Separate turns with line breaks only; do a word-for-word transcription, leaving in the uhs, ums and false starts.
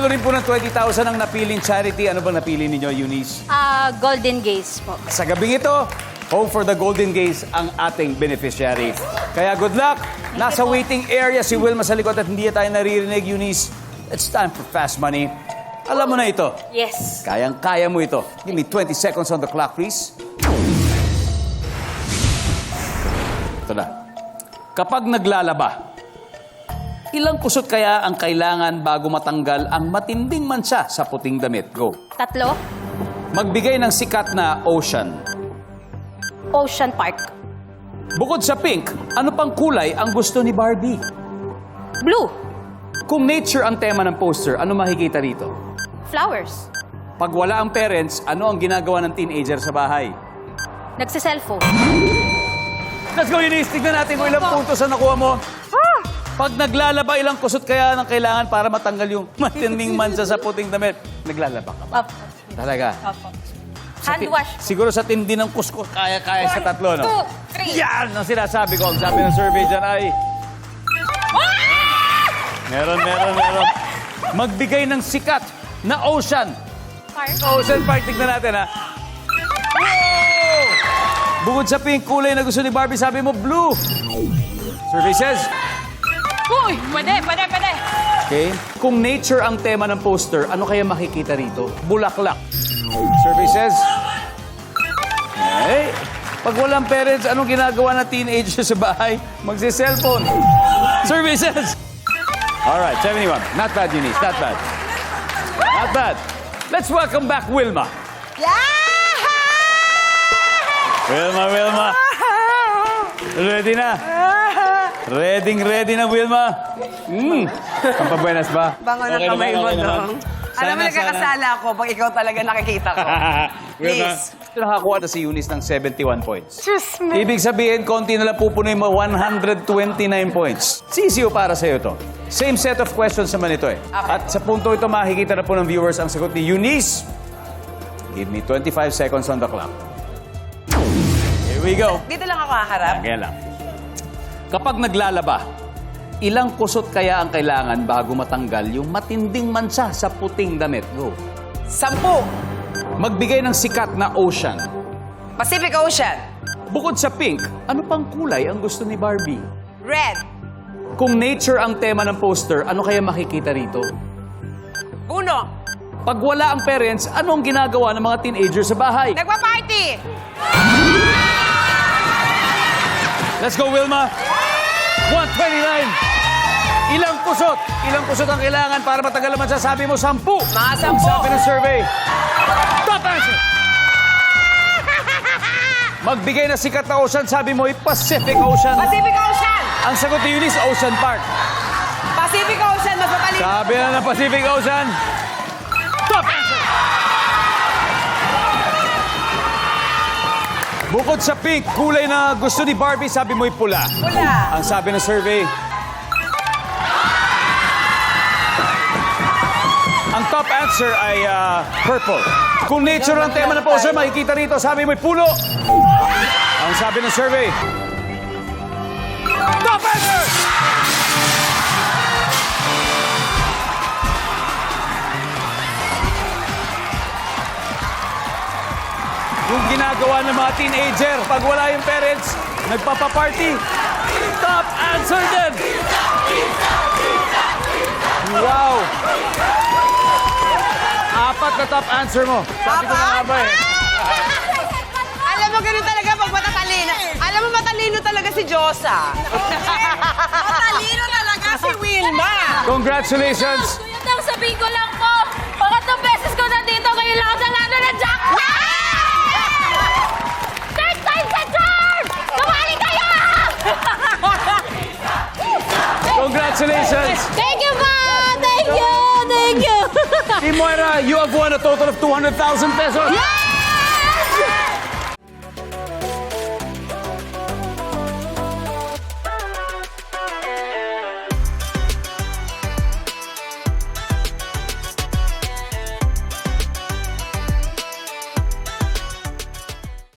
Mananalo rin po ng twenty thousand ang napiling charity. Ano bang napili ninyo, Eunice?
Ah, Golden Gaze po.
Sa gabing ito, Hope for the Golden Gaze ang ating beneficiary. Kaya good luck. Nasa waiting area si Wilma sa likod at hindi tayo naririnig, Eunice. It's time for fast money. Alam mo na ito.
Yes.
Kayang-kaya mo ito. Give me twenty seconds on the clock, please. Ito na. Kapag naglalaba, ilang kusot kaya ang kailangan bago matanggal ang matinding mancha sa puting damit? Go.
Tatlo.
Magbigay ng sikat na ocean.
Ocean Park.
Bukod sa pink, ano pang kulay ang gusto ni Barbie?
Blue.
Kung nature ang tema ng poster, ano makikita rito?
Flowers.
Pag wala ang parents, ano ang ginagawa ng teenager sa bahay?
Nagsiselfone.
Let's go, Eunice. Tignan natin kung ilang puntos ang nakuha mo. Pag naglalaba, ilang kusot kaya ng kailangan para matanggal yung matinding mancha sa puting damit? Naglalaba ka ba?
Opo.
Talaga?
Opo.
Sa
Hand
ti-
wash.
Siguro sa tindi ng kuskus, kaya-kaya sa tatlo, no?
two, three.
Yan ang sinasabi ko. Ang sabi ng survey dyan ay... Meron, meron, meron. Magbigay ng sikat na ocean.
Park.
Ocean Park, tignan natin, ha? Wow! Bukod sa pink kulay na gusto ni Barbie, sabi mo blue. Survey says...
Uy! Pwede, pwede, pwede.
Okay. Kung nature ang tema ng poster, ano kaya makikita rito? Bulaklak. Survey says... Okay. Pag walang parents, anong ginagawa na teenager sa bahay? Magsi-cellphone. Survey says... Alright, seventy-one. Not bad, Eunice. Not bad. Not bad. Let's welcome back Wilma. Wilma, Wilma. Ready na? Ready, ready na, Wilma. Mm. Pampabuenas ba?
Bango ng
Okay
kamay
naman,
mo,
okay naman.
dong.
Sana,
Alam mo, nagkakasala ako pag ikaw talaga nakikita ko.
Wilma,
Please.
nakakuha na si Eunice ng seventy-one points.
Diyos me.
Ibig sabihin, konti na lang pupunoy mo one hundred twenty-nine points. Sisiyo para sa'yo to. Same set of questions naman ito eh. At sa punto ito, makikita na po ng viewers ang sagot ni Eunice. Give me twenty-five seconds on the clock. Here we go.
Dito lang ako haharap.
Kaya lang. Kapag naglalaba, ilang kusot kaya ang kailangan bago matanggal yung matinding mancha sa puting damit? Go.
Sampu.
Magbigay ng sikat na ocean.
Pacific Ocean.
Bukod sa pink, ano pang kulay ang gusto ni Barbie?
Red.
Kung nature ang tema ng poster, ano kaya makikita rito?
Puno.
Pag wala ang parents, anong ginagawa ng mga teenager sa bahay?
Nagpa-party.
Let's go, Wilma! one twenty-nine! Ilang kusot? Ilang kusot ang kailangan para matagal naman sasabi mo? Sampu!
Mga
Ang
sampu.
sabi ng survey. Top answer! Magbigay na sikat na ocean, sabi mo ay Pacific Ocean.
Pacific Ocean.
Ang sagot ni Eunice, Ocean Park.
Pacific Ocean. Mas mapalito.
Sabi na ng Pacific Ocean. Top answer! Bukod sa pink, kulay na gusto ni Barbie, sabi mo'y pula.
Pula.
Ang sabi ng survey. Ang top answer ay ah, purple. Kung nature ang tema ng poster, makikita rito, sabi mo'y pulo. Ang sabi ng survey. Top answer! Yung ginagawa ng mga teenager, pag wala yung parents, nagpapaparty. Top answer din! Wow! Apat na top answer mo. Sabi ko na nga ba eh.
Alam mo, ganun talaga pag matatalino. Alam mo, matalino talaga si Josa. Matalino talaga si Wilma.
Congratulations!
Kuya Tang, sabihin ko lang po, pangatlong beses ko nandito, ngayon lang ako nanalo ng jackpot! Third time sa charm! Kumali kayo!
Congratulations!
Thank you, ma! Thank you! Thank you!
Team Moira, you have won a total of two hundred thousand pesos.
Yay!